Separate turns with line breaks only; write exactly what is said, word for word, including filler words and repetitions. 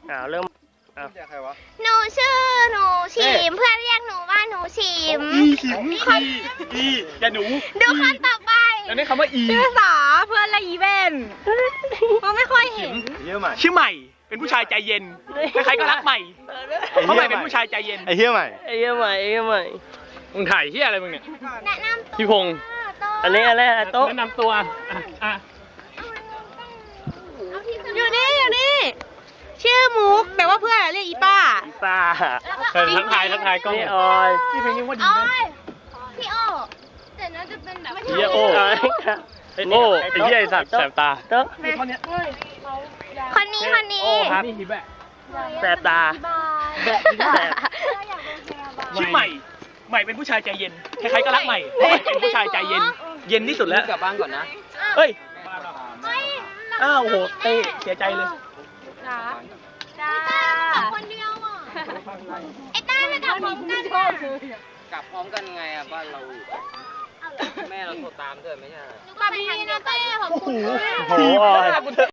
อ่าเริ่มอ่ะ
ใครวะ
หนูชื่อหนูฉิมเพื่อนเรียกหนูว่าหนูฉิม
อีขิมอีอีอย่าหนู
ดูคำต่อไป
แล้วนี่คำว่าอี
ชื่อสาเพื่อนละอีเวนมันไม่ค่อยเห็น
เยอะใหม่
ชื่อใหม่ เป็นผู้ชายใจเย็น ใครๆก็รักใหม่ เพราะใหม่เป็นผู้ชายใจเย็น
ไอ้เหี้ยใหม่
ไอ้เหี้ยใหม่ไอ้เหี้ยใหม่
มึงถ่ายเหี้ยอะไรมึงเนี่ย
แนะนำตัว
พี่พงษ์
อันนี้อะไรอะโต๊ะ
แนะนำตัวอ่ะอ่ะ
อยู่นี่อยู่นี่ ชื่อมุกแต่ว่าเพื่อนอะเรียกอีป้า
อีป้า
เออทักทายทักทายกล้อง
นี่ออย
พี่เพลงยังว่าดี
อ๋อ
นะ
พี่โอแต่น่าจะเป็นแบบ
เหี้ยโอ้ โง่ไอ้เหี้ยไอ้สัตว์แสบตา
โต๊ะ
คนนี้คนนี้
โอ้ครับนี่ฮิแบะ
แสบตา
แบะฮิแบะ
ชื่อใหม่ ใหม่เป็นผู้ชายใจเย็น ใครๆก็รักใหม่ เพราะใหม่เป็นผู้ชายใจเย็น เย็นที่สุดแล้ว
กลับบ้านก่อนนะ
เฮ้ย
เฮ้ย
อ้าวโหเต้เสียใจเลย
จ้า
คนเดียวอ่ะไอ้ต้าจะกลับพร้อมกันอ่ะ
กลับพร้อมกันไงอ่ะบ้านเราอยู่แม่เราโทรตามด้วยไม่ใช่
กลับไปทางเดียวกันขอบคุณค่ะ
โอ้โห